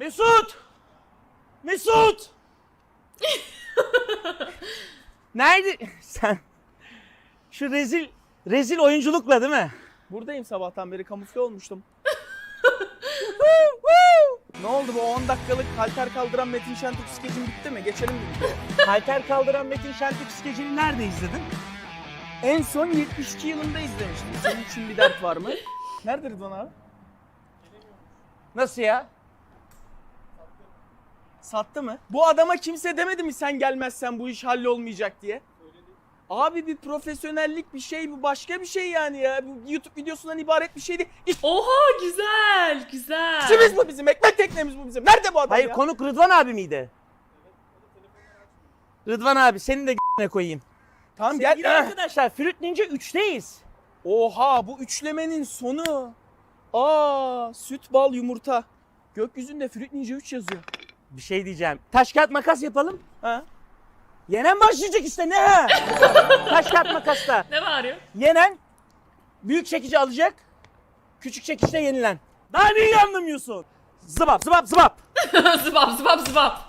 Mesut! Mesut! Nerede? Sen şu rezil oyunculukla değil mi? Buradayım sabahtan beri, kamufle olmuştum. Ne oldu, bu 10 dakikalık halter kaldıran Metin Şentürk skecin bitti mi? Geçelim mi videoya? Halter kaldıran Metin Şentürk skecini nerede izledin? En son 72 yılında izlemiştim. Senin için bir dert var mı? Nerede Rıdvan abi? Nasıl ya? Sattı mı? Bu adama kimse demedi mi sen gelmezsen bu iş hallolmayacak diye? Abi bir profesyonellik bir şey, bu başka bir şey yani ya. Bu YouTube videosundan ibaret bir şey değil. Oha güzel güzel. İşimiz bu bizim, ekmek teknemiz bu bizim. Nerede bu adam Hayır ya? konuk Rıdvan abi miydi? Rıdvan abi seni de g***ne koyayım. Tamam Sevgili gel. arkadaşlar Fruit Ninja 3'teyiz. Oha, bu üçlemenin sonu. Aa, süt, bal, yumurta. Gökyüzünde Fruit Ninja 3 yazıyor. Bir şey diyeceğim. Taş kağıt makas yapalım. Ha? Yenen başlayacak işte ne? Taş kağıt makasla. Ne bağırıyor? Yenen büyük çekici alacak. Küçük çekiçte yenilen. Daha neyi anlamıyorsun? Zıbap zıbap zıbap. Zıbap zıbap zıbap.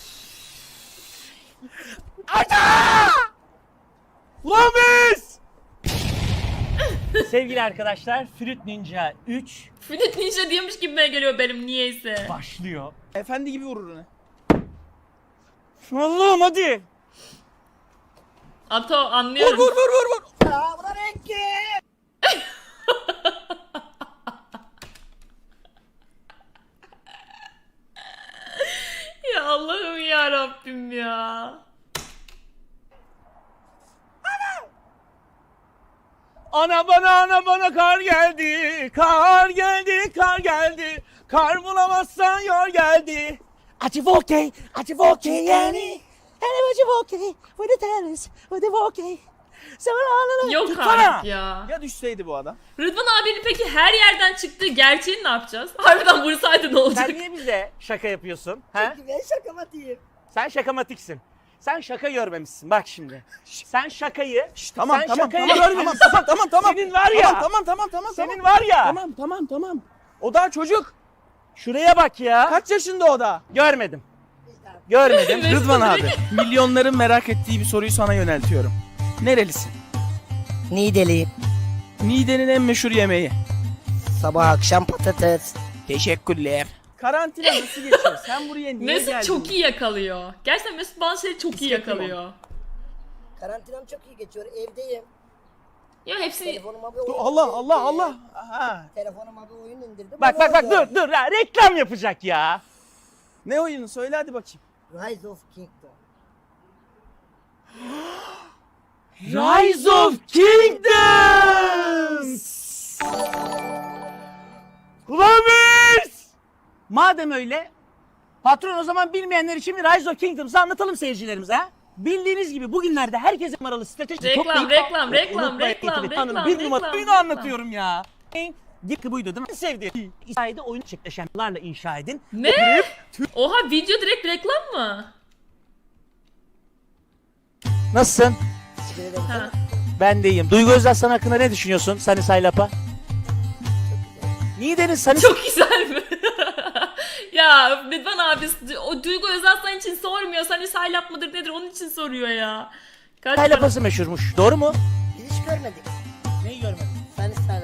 Ulan biz! Sevgili arkadaşlar Fruit Ninja 3 Fruit Ninja diyormuş gibime geliyor benim niyeyse. başlıyor. Efendi gibi vurur onu. Allah'ım hadi. Ato anlıyorum. Vur. Ya Allah'ım ya Rabbim ya. Ana bana kar geldi. Kar geldi, kar geldi. Kar bulamazsan yor geldi. Acı volkey yani. Hele acı volkey. With the tennis, with the volkey. Yok Tutsana. artık ya. Ya düşseydi bu adam? Rıdvan abinin peki her yerden çıktığı gerçeğini ne yapacağız? Harbiden vursaydı ne olacak? Sen niye bize şaka yapıyorsun? Ha? Ben şakamatiyim. Sen şakamatiksin. Sen şaka görmemişsin bak şimdi. Sen şakayı... Tamam sen tamam şakayı tamam görmemişsin. tamam. Senin var ya. Tamam. Senin var ya. Tamam. O daha çocuk. Şuraya bak ya. Kaç yaşında o da? Görmedim. Görmedim. Rıdvan abi. Milyonların merak ettiği bir soruyu sana yöneltiyorum. Nerelisin? Niğdeliyim. Niğde'nin en meşhur yemeği. Sabah akşam patates. Teşekkürler. Karantina nasıl geçiyor? Sen buraya niye geldin? Mesut çok iyi yakalıyor. Gerçekten Mesut bazı şeyleri çok iyi yakalıyor. Karantinam çok iyi geçiyor. Evdeyim. Ya hepsini... Telefonuma bir oyun Allah. Aha. Telefonuma bir oyun indirdim. Bak onu oynuyorum. dur ya reklam yapacak ya. Ne oyunu? Söyle hadi bakayım. Rise of Kingdom. Rise of Kingdoms. Ulan biz! Madem öyle patron o zaman bilmeyenler için bir Rise of Kingdoms'ı anlatalım seyircilerimize ha. Bildiğiniz gibi bugünlerde herkese numaralı strateji Reklam, toplayıp... reklam, Bir numara reklam. oyunu anlatıyorum ya. Git buydu değil mi? Sevdiğim. İsa'ydı oyunu çekleşenlerle inşa edin. Ne? Oha video direkt reklam mı? Nasılsın? Teşekkür ederim. Ha. Ben de iyiyim. Duygu Özaslan hakkında ne düşünüyorsun Sunny Saylap'a? Niğde'nin Sunny Çok güzel mi? Ya Rıdvan abi o Duygu Özaslan için sormuyor. Hani saylap mıdır nedir onun için soruyor ya. Kaç para- Saylap'ası meşhurmuş. Doğru mu? Hiç görmedik. Neyi görmedin? Sen ısrarla.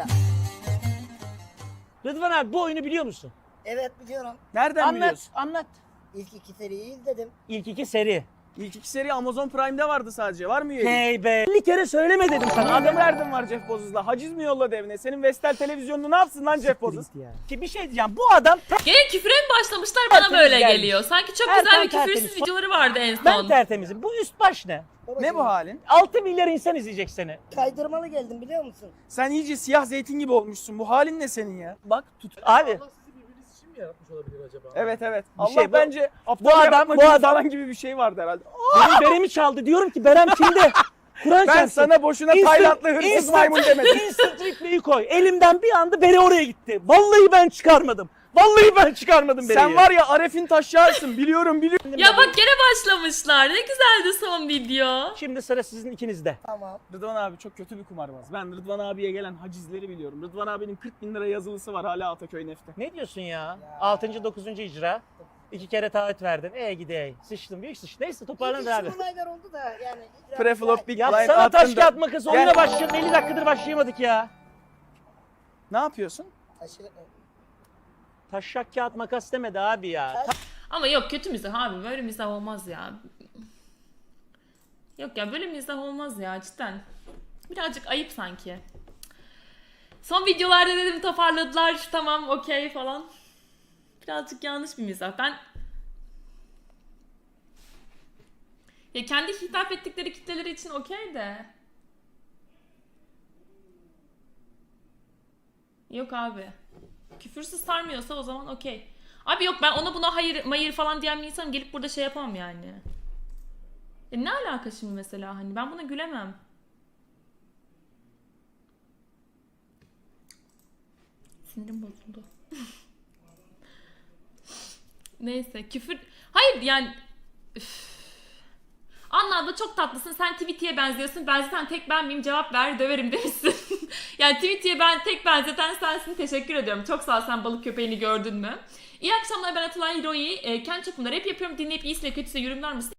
Rıdvan abi bu oyunu biliyor musun? Evet biliyorum. Nereden biliyorsun? Anlat. İlk iki seriyi izledim. İlk iki seri. İlk iki seri Amazon Prime'de vardı sadece. Var mı üyelik? Hey be. 50 kere söyleme dedim sana. Sana ne derdin var Jeff Bezos'la? Haciz mi yolladı evine? Senin Vestel televizyonunu ne yapsın lan Jeff Bezos? Ki bir şey diyeceğim. Bu adam Gene küfre mi başlamışlar bana Tertemiz böyle gelmiş. geliyor. Sanki çok Erkan güzel bir tertemiz. küfürsüz videoları vardı en ben son. tertemizim. Bu üst baş ne? Ne bu halin? 6 milyar insan izleyecek seni. Kaydırmalı geldim biliyor musun? Sen iyice siyah zeytin gibi olmuşsun. Bu halin ne senin ya? Bak tut. Abi Evet. Bir Allah şey, bu- bence bu adam- falan gibi bir şey vardı herhalde. benim beremi çaldı. Diyorum ki Berem kimde? Kur'an Ben çarpsın. sana boşuna Taylandlı hırsız maymun demedim. Instant replay'i koy. Elimden bir anda beri oraya gitti. Vallahi ben çıkarmadım. Vallahi ben çıkarmadım bereyi. Sen var ya Aref'in taşyarsın. Biliyorum. Ya bak gene başlamışlar. Ne güzeldi son video. Şimdi sıra sizin ikinizde. Tamam. Rıdvan abi çok kötü bir kumarbaz. Ben Rıdvan abiye gelen hacizleri biliyorum. Rıdvan abinin 40 bin lira yazılısı var hala Ataköy Neft'te. Ne diyorsun ya? 6. 9. icra. 2 kere taahhüt verdin. Gidey. Sıçtım, büyük sıçtım. Neyse toparlanır abi. İlk olaylar oldu da yani. Preflop Big Blind Yapsana taş attın da- kağıt makas. Oyuna Gel. başlayalım. 50 dakikadır başlayamadık ya. Ne yapıyorsun? Aşırı... Taşak kağıt makas demedi abi ya. Ama yok kötü mizah abi. Böyle mizah olmaz ya. Yok ya böyle mizah olmaz ya cidden. Birazcık ayıp sanki. Son videolarda dedim toparladılar. Tamam okey falan. Birazcık yanlış bir mizah. Ya kendi hitap ettikleri kitleleri için okey de. Yok abi. Küfürsüz sarmıyorsa o zaman okey. Abi yok ben ona buna hayır mayır falan diyen bir insanım gelip burada şey yapamam yani. Ne alaka şimdi mesela hani ben buna gülemem. Sinirim bozuldu. Neyse küfür... Hayır yani... Üf. Anna abla çok tatlısın. Sen Tweety'ye benziyorsun. Ben zaten tek ben miyim? Cevap ver döverim demişsin. Yani Tweety'ye ben tek benzeten sensin. Teşekkür ediyorum. Çok sağ ol sen balık köpeğini gördün mü? İyi akşamlar ben Atılay Hiroi. Kendi çapımda rap yapıyorum. Dinleyip iyisiyle kötüsüyle yorumlar mısın?